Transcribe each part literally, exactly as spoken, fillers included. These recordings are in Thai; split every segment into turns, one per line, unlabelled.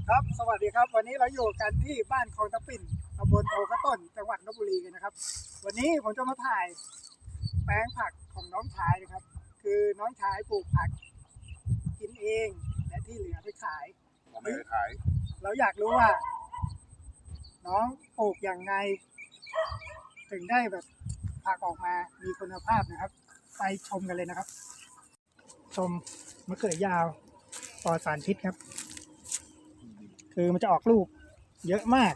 ครับสวัสดีครับวันนี้เราอยู่กันที่บ้านคลองตะปิ่นตำบลโพกระต้นจังหวัดลพบุรีกันนะครับวันนี้ผมจะมาถ่ายแปลงผักของน้องชายนะครับคือน้องชายปลูกผักกินเองและที่เหลือไปขาย
เราไม่ได้ขาย
เราอยากรู้ว่า น้องปลูกอย่างไงถึงได้แบบผักออกมามีคุณภาพนะครับไปชมกันเลยนะครับชมมะเขือยาวปลอดสารพิษครับคือมันจะออกลูกเยอะมาก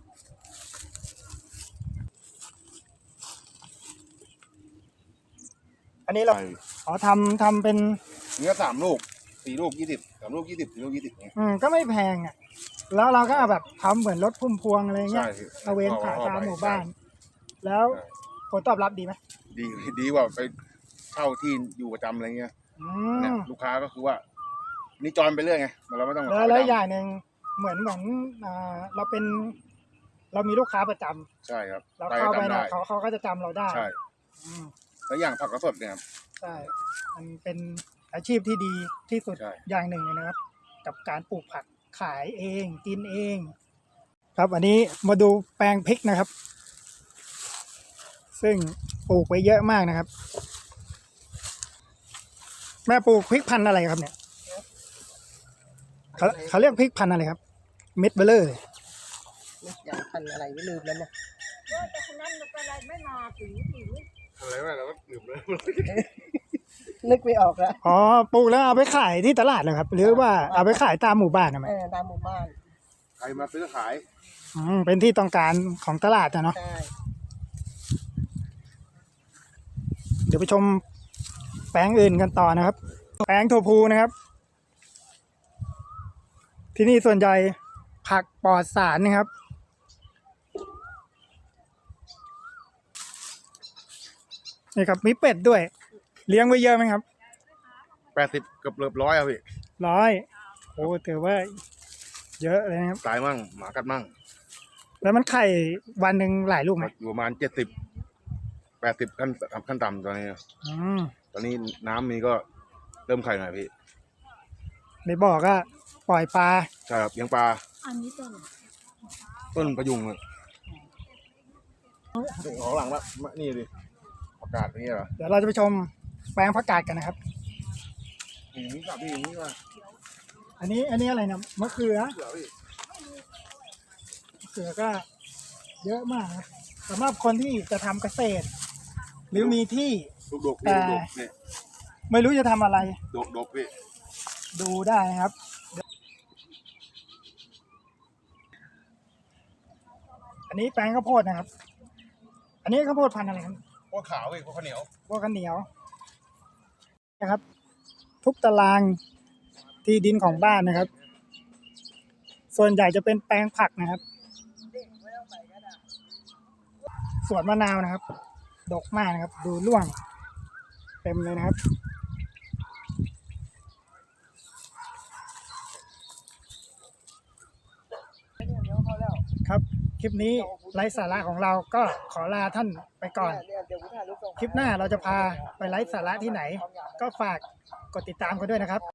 อันนี้เราขอทำทำเป็น
เนื้อสามลูกสี่ลูกยี่สิบสามลูกยี่สิบสี่ลูกยี่สิบเนี่ย
อืมก็ไม่แพงอ่ะแล้วเราก็แบบทำเหมือนรถพุ่มพวงอะไรเงี้ยตะเวนขายตามหมู่บ้านแล้วผลตอบรับดีไหม
ดีดีกว่าไปเช่าที่อยู่ประจำอะไรเงี้ยเนี่ยลูกค้าก็คือว่านี่จอยไปเรื่อยไงเราไม่ต้อง
แล้วแล้วอย่างหนึ่งเหมือนเหมือนอ่าเราเป็นเรามีลูกค้าประจำ
ใช่ครับ
เราเข้าไปเนี่ยเขาเขาก็จะจำเราได้
ใช่แล้วอย่างผักกระสดเนี่ย
ใช่มันเป็นอาชีพที่ดีที่สุดอย่างหนึ่งเลยนะครับกับการปลูกผักขายเองกินเองครับอันนี้มาดูแปลงพริกนะครับซึ่งปลูกไว้เยอะมากนะครับแม่ปลูกพริกพันธุ์อะไรครับเนี่ยเขาเขาเรียกพริกพันธุ์อะไรครับเม็ดเบลเลอร์
อย่างพันอะไรไม่ลืมแล้วนะ
แต่คนนั้นเป็นอะไรไม่มาถึงถึง
อะไรวะเราก็ลืมเลย
นึกไม่ออกแล้ว
อ๋อปลูกแล้วเอาไปขายที่ตลาดเลยครับหรือว่าเอาไปขายตามหมู่บ้านนะไหม
เออตามหมู่บ้าน
ใครมาซื้อขาย
อืมเป็นที่ต้องการของตลาดนะเนาะ
ใช่
เดี๋ยวไปชมแปลงอื่นกันต่อนะครับแปลงถั่วพูนะครับที่นี่ส่วนใหญ่ผักปลอดสารนะครับนี่ครับมีเป็ดด้วยเลี้ยงไว้เยอะไหมครับ
แปดสิบเกือบเกือบร้อยครับพี่
ร้อยโอ้ถือว่าเยอะเลยครับ
ตายมั่งหมากัดมั่ง
แล้วมันไข่วันหนึ่งหลายลูกไหม
อยู่ประมาณเจ็ดสิบแปดสิบขั้นขั้นต่ำตอนนี้
อืม
ตอนนี้น้ำมีก็เริ่มไข่หน่อยพี่
ในบ่อก็ปล่อยปลา
ใช่ครับเลี้ยงปลา
อันนี้ต้น
ต้นประยุงเลยของหลังละนี่ดิผักกาดนี่เหรอ
เดี๋ยวเราจะไปชมแปลงผักกาดกันนะครับ
อย่างนี้กับพี่อย่างนี้ว่า
อันนี้อันนี้อะไรนะมะเขือมะเขือก็เยอะมากนะสำหรับคนที่จะทำเกษตรหรือมีที่แต่ไม่รู้จะทำอะไร
ดกดกพี่
ดูได้นะครับอันนี้แปลงข้าวโพดนะครับอันนี้ข้าวโพดพันธุ์อะไรครับ
พวกขาวพี่พวกข้าวเหนียว
พวกข้าวเหนียวนะครับทุกตารางที่ดินของบ้านนะครับส่วนใหญ่จะเป็นแปลงผักนะครับสวนมะนาวนะครับดกมากนะครับดูร่วงเต็มเลยนะครับครับคลิปนี้ไร้สาระของเราก็ขอลาท่านไปก่อนคลิปหน้าเราจะพาไปไร้สาระที่ไหนก็ฝากกดติดตามกันด้วยนะครับ